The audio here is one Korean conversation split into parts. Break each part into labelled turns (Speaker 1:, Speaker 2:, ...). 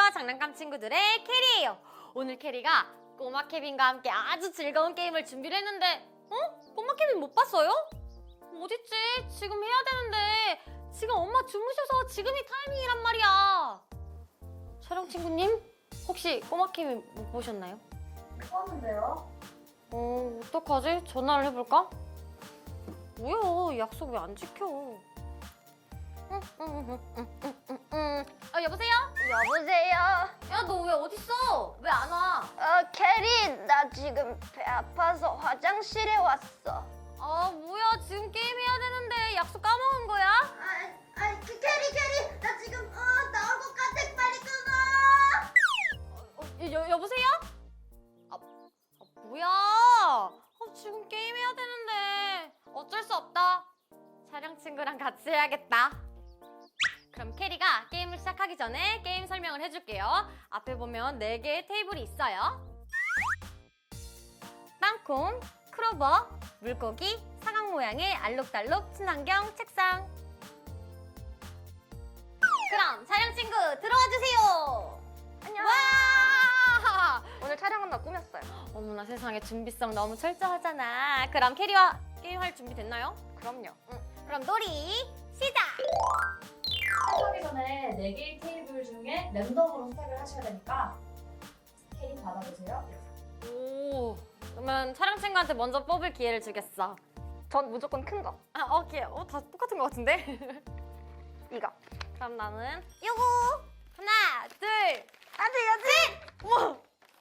Speaker 1: 장난감 친구들의 캐리예요. 오늘 캐리가 꼬마 케빈과 함께 아주 즐거운 게임을 준비를 했는데 꼬마 케빈 못 봤어요? 어딨지? 지금 해야 되는데 지금 엄마 주무셔서 지금이 타이밍이란 말이야. 촬영 친구님 혹시 꼬마 케빈 못 보셨나요?
Speaker 2: 못 봤는데요?
Speaker 1: 어떡하지? 전화를 해볼까? 뭐야, 약속 왜 안 지켜? 여보세요?
Speaker 3: 여보세요?
Speaker 1: 야, 너 왜 어딨어? 왜 안 와?
Speaker 3: 캐리, 나 지금 배 아파서 화장실에 왔어.
Speaker 1: 뭐야, 지금 게임해야 되는데 약속 까먹은 거야?
Speaker 3: 캐리, 나 지금 나올 것 같아. 빨리 끊어.
Speaker 1: 여보세요? 뭐야? 지금 게임해야 되는데 어쩔 수 없다. 촬영 친구랑 같이 해야겠다. 그럼 캐리가 게임을 시작하기 전에 게임 설명을 해줄게요. 앞에 보면 4개의 테이블이 있어요. 땅콩, 크로버, 물고기, 사각 모양의 알록달록 친환경 책상. 그럼 촬영 친구 들어와 주세요.
Speaker 3: 안녕.
Speaker 1: 와!
Speaker 3: 오늘 촬영은 나 꾸몄어요.
Speaker 1: 어머나 세상에 준비성 너무 철저하잖아. 그럼 캐리와 게임할 준비 됐나요?
Speaker 3: 그럼요.
Speaker 1: 그럼 놀이 시작!
Speaker 2: 시작하기 전에 4개의 테이블 중에 랜덤으로 선택을 하셔야 되니까 캐리 받아보세요.
Speaker 1: 오, 그러면 촬영 친구한테 먼저 뽑을 기회를 주겠어.
Speaker 3: 전 무조건 큰 거.
Speaker 1: 오케이. 다 똑같은 것 같은데?
Speaker 3: 이거.
Speaker 1: 그럼 나는 요거! 하나, 둘,
Speaker 3: 안 돼야지.
Speaker 1: 우와!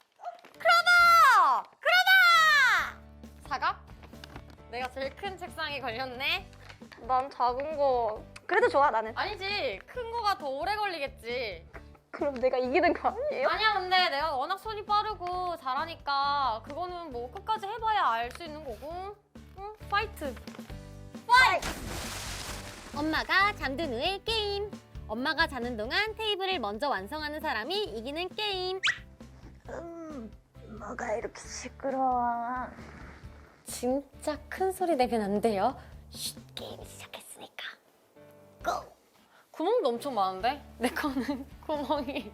Speaker 1: 크로버! 크로버! 사각? 내가 제일 큰 책상에 걸렸네?
Speaker 3: 난 작은 거. 그래도 좋아 나는.
Speaker 1: 아니지, 큰 거가 더 오래 걸리겠지.
Speaker 3: 그럼 내가 이기는 거 아니에요?
Speaker 1: 아니야, 근데 내가 워낙 손이 빠르고 잘하니까 그거는 뭐 끝까지 해봐야 알 수 있는 거고. 응, 파이트! 파이트! 엄마가 잠든 후의 게임. 엄마가 자는 동안 테이블을 먼저 완성하는 사람이 이기는 게임.
Speaker 3: 뭐가 이렇게 시끄러워?
Speaker 1: 진짜 큰 소리 내면 안 돼요. 쉿, 게임 시작했으니까. 고! 구멍도 엄청 많은데? 내 거는 구멍이.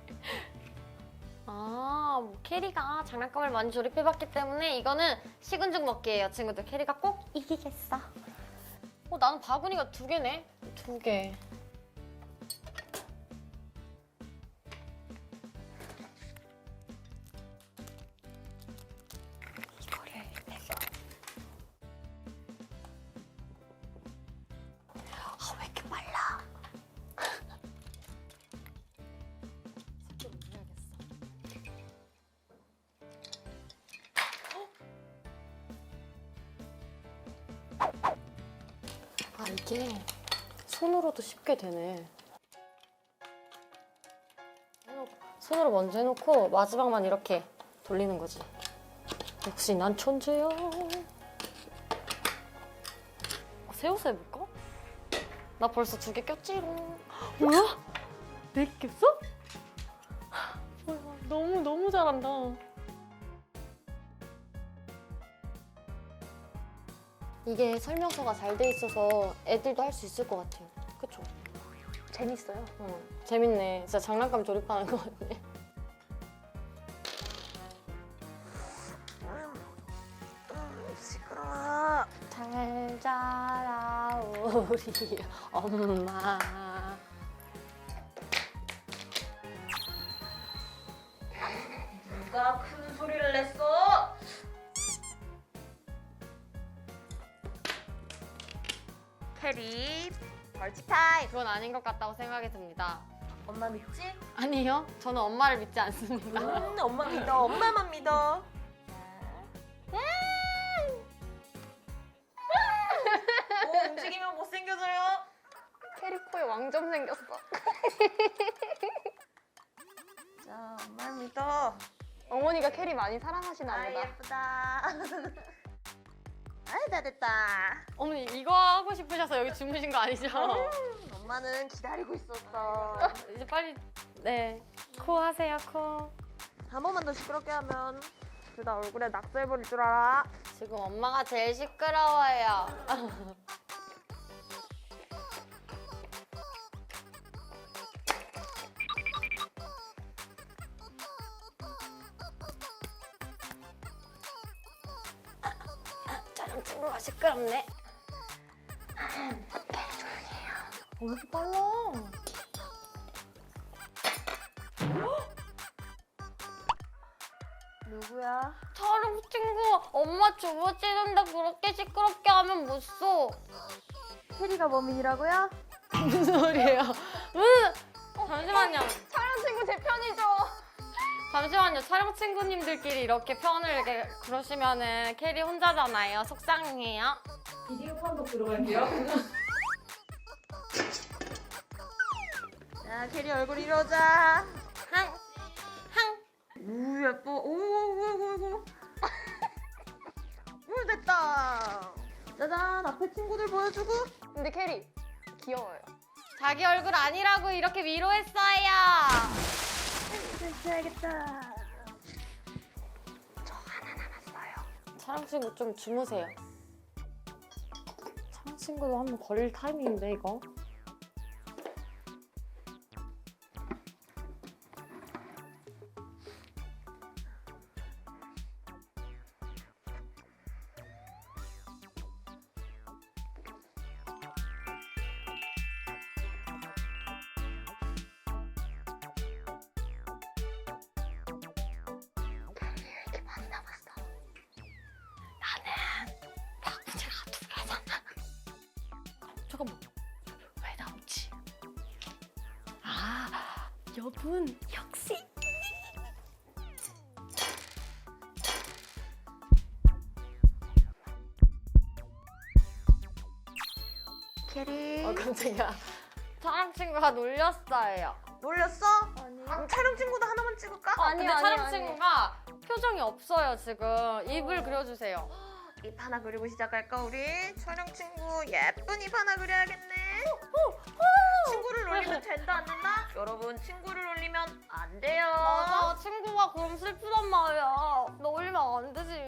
Speaker 1: 뭐 캐리가 장난감을 많이 조립해봤기 때문에 이거는 식은 죽 먹기예요, 친구들. 캐리가 꼭 이기겠어. 나는 바구니가 2개네. 2개. 이거를 해서. 왜 이렇게 빨라? 속도를 올려야겠어. 이게 손으로도 쉽게 되네. 손으로 먼저 해놓고 마지막만 이렇게 돌리는 거지. 역시 난 천재야. 세워서 해볼까? 나 벌써 2개 꼈지롱. 뭐야? 4개 꼈어? 뭐야, 너무 잘한다. 이게 설명서가 잘 돼 있어서 애들도 할 수 있을 것 같아요. 그쵸?
Speaker 3: 재밌어요.
Speaker 1: 재밌네. 진짜 장난감 조립하는 것 같네.
Speaker 3: 시끄러워.
Speaker 1: 잘 자라 우리 엄마.
Speaker 2: 누가 큰 소리를 냈어?
Speaker 3: 캐리, 벌칙 타임.
Speaker 1: 그건 아닌 것 같다고 생각이 듭니다.
Speaker 2: 엄마 믿지?
Speaker 1: 아니요, 저는 엄마를 믿지 않습니다.
Speaker 2: 엄마 믿어. 엄마만 믿어. 움직이면 못생겨져요.
Speaker 3: 캐리 코에 왕점 생겼어.
Speaker 2: 자, 엄마 믿어.
Speaker 3: 어머니가 캐리 많이 사랑하시나 보다.
Speaker 2: 예쁘다. 아이, 다 됐다.
Speaker 1: 어머니 이거 하고 싶으셔서 여기 주무신 거 아니죠?
Speaker 2: 엄마는 기다리고 있었어.
Speaker 1: 이제 빨리 코 하세요, 코.
Speaker 2: 한 번만 더 시끄럽게 하면 그다 얼굴에 낙서 해버릴 줄 알아.
Speaker 1: 지금 엄마가 제일 시끄러워요. 시끄럽네. 왜 이렇게 빨라?
Speaker 3: 누구야?
Speaker 1: 촬영 친구, 엄마 주무시는데 그렇게 시끄럽게 하면 못 써.
Speaker 3: 캐리가 범인이라고요?
Speaker 1: 무슨 소리예요? 잠시만요.
Speaker 3: 촬영 친구 제 편이죠.
Speaker 1: 잠시만요. 촬영 친구님들끼리 이렇게 편을 이렇게 그러시면은 캐리 혼자잖아요. 속상해요.
Speaker 2: 비디오 판독 들어갈게요.
Speaker 3: 자, 캐리 얼굴 이러자.
Speaker 1: 항.
Speaker 3: 우 예뻐. 오. 됐다. 짜잔, 앞에 친구들 보여주고. 근데 캐리 귀여워요.
Speaker 1: 자기 얼굴 아니라고 이렇게 위로했어요.
Speaker 3: 해야겠다.
Speaker 1: 촬영 친구 좀 주무세요. 촬영 친구도 한번 걸릴 타이밍인데 이거. 잠깐만. 왜 나오지? 아, 여분 역시.
Speaker 3: 캐리.
Speaker 1: 깜짝이야. 촬영 친구가 놀렸어요.
Speaker 3: 놀렸어? 아니. 그럼 촬영 친구도 하나만 찍을까?
Speaker 1: 근데 촬영 친구가 표정이 없어요 지금. 입을 그려주세요.
Speaker 3: 입 하나 그리고 시작할까 우리? 촬영 친구 예쁜 입 하나 그려야겠네. 친구를 놀리면 된다 안 된다? 여러분 친구를 놀리면 안 돼요.
Speaker 1: 맞아, 친구가 그럼 슬프단 말이야. 놀리면 안 되지.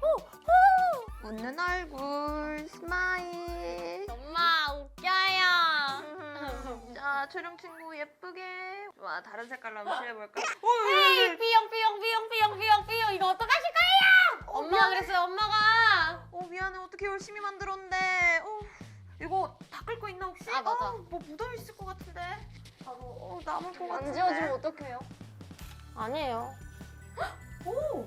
Speaker 3: 웃는 얼굴 스마일.
Speaker 1: 엄마 웃겨요.
Speaker 3: 자 촬영 친구 예쁘게. 와 다른 색깔로 한번 칠해볼까?
Speaker 1: 에이, 삐용 이거 어떡하실 거예요? 엄마가 그랬어요. 엄마가.
Speaker 3: 미안해 어떻게 열심히 만들었는데. 이거 닦을 거 있나 혹시?
Speaker 1: 아, 맞아.
Speaker 3: 뭐 묻어 있을 것 같은데. 나도 남을 것 같은데.
Speaker 2: 안 지워주면 어떡해요?
Speaker 1: 아니에요.
Speaker 3: 오.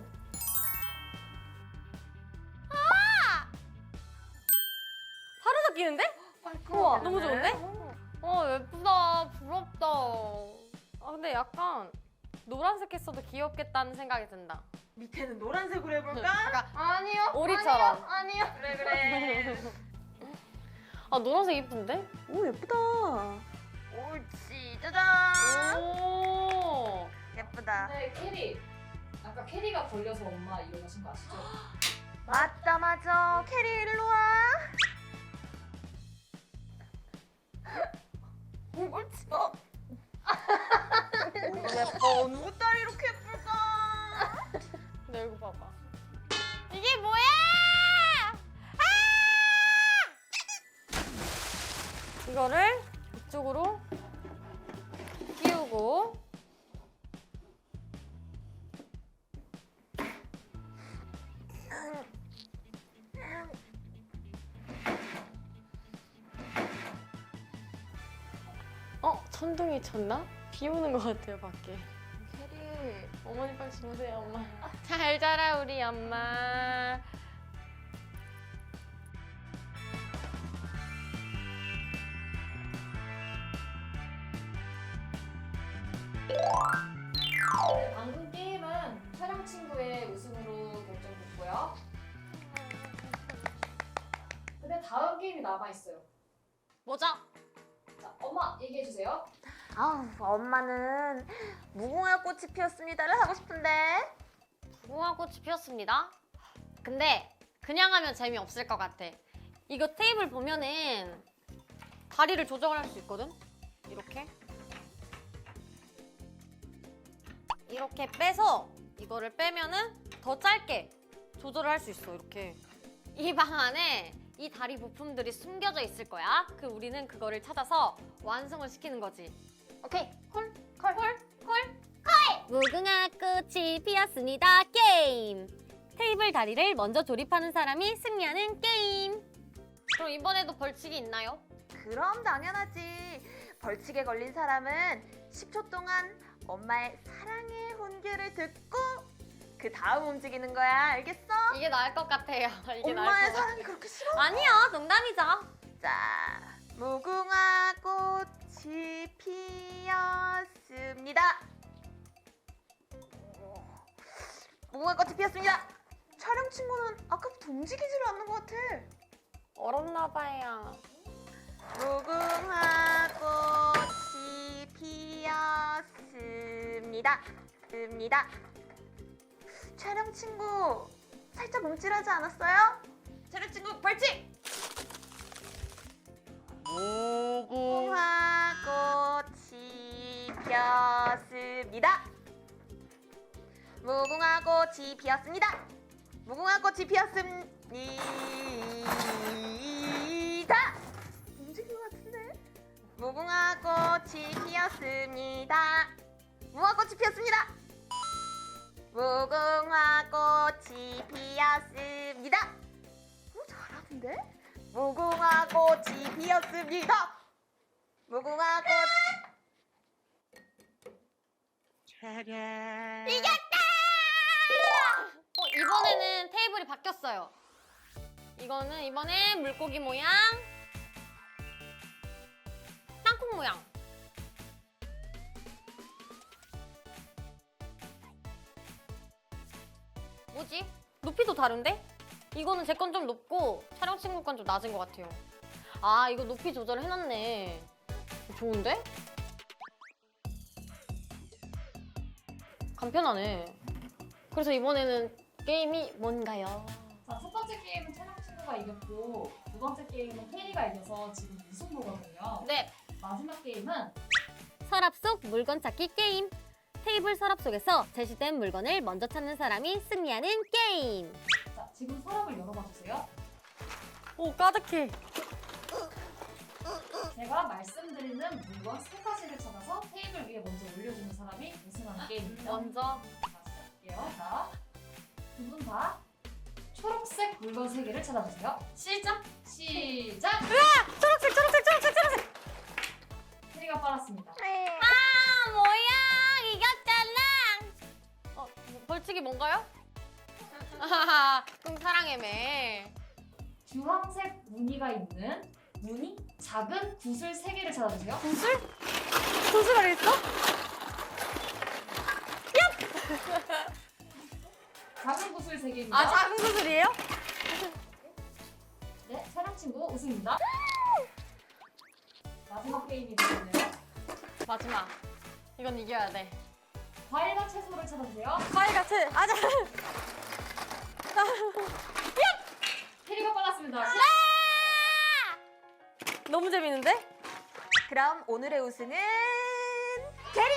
Speaker 1: 바로 닦이는데? 우와, 너무 좋은데? 예쁘다. 부럽다. 근데 약간 노란색 했어도 귀엽겠다는 생각이 든다.
Speaker 3: 밑에는 노란색으로 해볼까?
Speaker 1: 약간
Speaker 3: 아니요.
Speaker 1: 오리처럼.
Speaker 3: 아니요. 그래.
Speaker 1: 노란색 이쁜데?
Speaker 3: 오 예쁘다. 옳지 짜잔.
Speaker 1: 오.
Speaker 3: 예쁘다.
Speaker 2: 네, 캐리. 아까 캐리가 걸려서 엄마 일어나신 거 아시죠?
Speaker 3: 맞아. 캐리 일로 와. 옳지. 예뻐. 누구 딸이 이렇게 예쁠까?
Speaker 1: 내 얼굴 봐봐. 이게 뭐야? 이거를 이쪽으로 끼우고 천둥이 쳤나? 비 오는 것 같아요 밖에.
Speaker 3: 캐리.
Speaker 1: 어머니 빨리 주무세요 엄마. 잘 자라 우리 엄마.
Speaker 2: 네, 방금 게임은 촬영 친구의 우승으로 결정됐고요. 근데 다음 게임이 남아있어요.
Speaker 1: 뭐죠?
Speaker 2: 자, 엄마 얘기해주세요.
Speaker 3: 엄마는 무궁화 꽃이 피었습니다를 하고 싶은데.
Speaker 1: 무궁화꽃이 피었습니다. 근데 그냥 하면 재미없을 것 같아. 이거 테이블 보면은 다리를 조정할 수 있거든? 이렇게 빼서 이거를 빼면은 더 짧게 조절을 할 수 있어. 이렇게 이 방 안에 이 다리 부품들이 숨겨져 있을 거야. 우리는 그거를 찾아서 완성을 시키는 거지. 오케이. 콜. 무궁화 꽃이 피었습니다. 게임. 테이블 다리를 먼저 조립하는 사람이 승리하는 게임. 그럼 이번에도 벌칙이 있나요?
Speaker 3: 그럼 당연하지. 벌칙에 걸린 사람은 10초 동안 엄마의 사랑의 혼귀를 듣고 그 다음 움직이는 거야. 알겠어?
Speaker 1: 이게 나을 것 같아요. 이게 나을
Speaker 3: 엄마의
Speaker 1: 것 같아.
Speaker 3: 사랑이 그렇게 싫어?
Speaker 1: 아니야, 농담이죠.
Speaker 3: 자, 무궁화 꽃이 피었습니다. 무궁화 꽃이 피었습니다. 촬영 친구는 아까부터 움직이지를 않는 것 같아.
Speaker 1: 얼었나 봐요.
Speaker 3: 무궁화 꽃이 피었습니다. 습니다. 촬영 친구 살짝 움찔하지 않았어요? 촬영 친구 벌칙! 무궁화 꽃이 피었습니다. 무궁화 꽃이 피었습니다. 무궁화 꽃이 피었습니다. 움직인 것 같은데? 무궁화 꽃이 피었습니다. 무궁화 꽃이 피었습니다. 무궁화 꽃이 피었습니다. 잘하는데? 무궁화 꽃이 피었습니다. 무궁화 꽃.
Speaker 1: 이겼다! 이번에는 테이블이 바뀌었어요. 이거는 이번에 물고기 모양, 땅콩 모양. 뭐지? 높이도 다른데? 이거는 제 건 좀 높고 촬영 친구 건 좀 낮은 것 같아요. 아, 이거 높이 조절을 해놨네. 좋은데? 간편하네. 그래서 이번에는 게임이 뭔가요?
Speaker 2: 자, 첫 번째 게임은 촬영 친구가 이겼고 두 번째 게임은 캐리가 이겨서 지금 무승부거든요.
Speaker 1: 네.
Speaker 2: 마지막 게임은
Speaker 1: 서랍 속 물건 찾기 게임. 테이블 서랍 속에서 제시된 물건을 먼저 찾는 사람이 승리하는 게임.
Speaker 2: 자, 지금 서랍을 열어봐 주세요.
Speaker 1: 오, 까득해.
Speaker 2: 제가 말씀드리는 물건 세 가지를 찾아서 테이블 위에 먼저 올려주는 사람이 우승하는 게임입니다.
Speaker 1: 먼저.
Speaker 2: 자, 시작할게요. 자, 두 분 다 초록색 물건 세 개를 찾아주세요. 시작! 시작!
Speaker 1: 초록색, 초록색, 초록색, 초록색.
Speaker 2: 캐리가 빨랐습니다.
Speaker 1: 아, 뭐야. 이겼잖아. 벌칙이 뭔가요? 아하하, 그럼 사랑해매.
Speaker 2: 주황색 무늬가 있는 무늬 작은 구슬 세 개를 찾아주세요.
Speaker 1: 구슬? 구슬 알겠어?
Speaker 2: 작은 구슬 세 개입니다.
Speaker 1: 아, 작은 구슬이에요?
Speaker 2: 네, 촬영 친구 우승입니다. 마지막 게임이 되겠네요.
Speaker 1: 마지막. 이건 이겨야 돼.
Speaker 2: 과일과 채소를 찾아주세요.
Speaker 1: 과일 같이. 아자.
Speaker 2: 캐리가 빨랐습니다.
Speaker 1: 너무 재밌는데?
Speaker 3: 그럼 오늘의 우승은 캐리!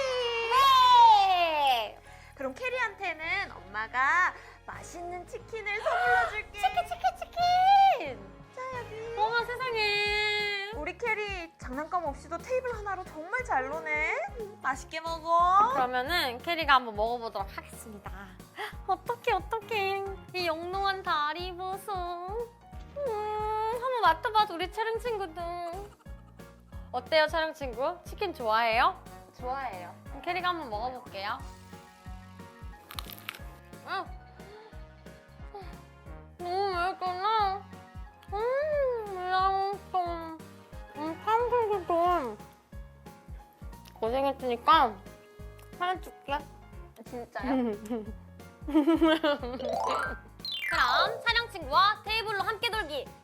Speaker 1: 네!
Speaker 3: 그럼 캐리한테는 엄마가 맛있는 치킨을 선물로 줄게.
Speaker 1: 치킨!
Speaker 3: 자, 여기.
Speaker 1: 어머, 세상에.
Speaker 3: 우리 캐리 장난감 없이도 테이블 하나로 정말 잘 노네. 맛있게 먹어.
Speaker 1: 그러면은 캐리가 한번 먹어보도록 하겠습니다. 어떡해. 이 영롱한 다리 보소. 한번 맡아봐도 우리 촬영 친구도. 어때요, 촬영 친구? 치킨 좋아해요?
Speaker 3: 좋아해요.
Speaker 1: 그럼 캐리가 한번 먹어볼게요. 너무 맛있구나. 맛있어. 탕수육도 고생했으니까 하나 줄게.
Speaker 3: 진짜요?
Speaker 1: 그럼 촬영 친구와 테이블로 함께 돌기